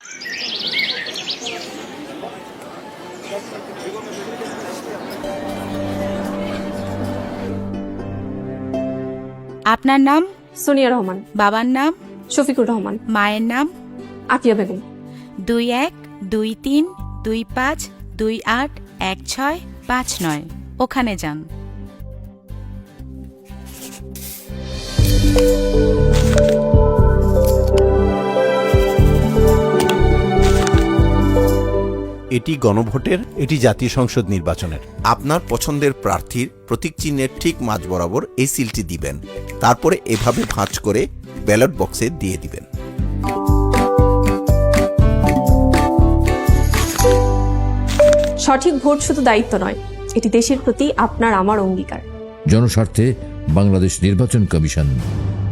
আপনার নাম? সোনিয়া রহমান। বাবার নাম? শফিকুর রহমান। মায়ের নাম? আকিয়া বেগম। 212325281659 ওখানে যান। এটি গণভোটের, এটি জাতীয় সংসদ নির্বাচনের। আপনার পছন্দের প্রার্থীর প্রতীক চিহ্নের ঠিক মাঝ বরাবর এই সিলটি দিবেন। তারপরে এভাবে ভাঁজ করে ব্যালট বক্সে দিয়ে দিবেন। সঠিক ভোট শুধু দায়িত্ব নয়, এটি দেশের প্রতি আপনার আমার অঙ্গীকার। জনস্বার্থে বাংলাদেশ নির্বাচন কমিশন।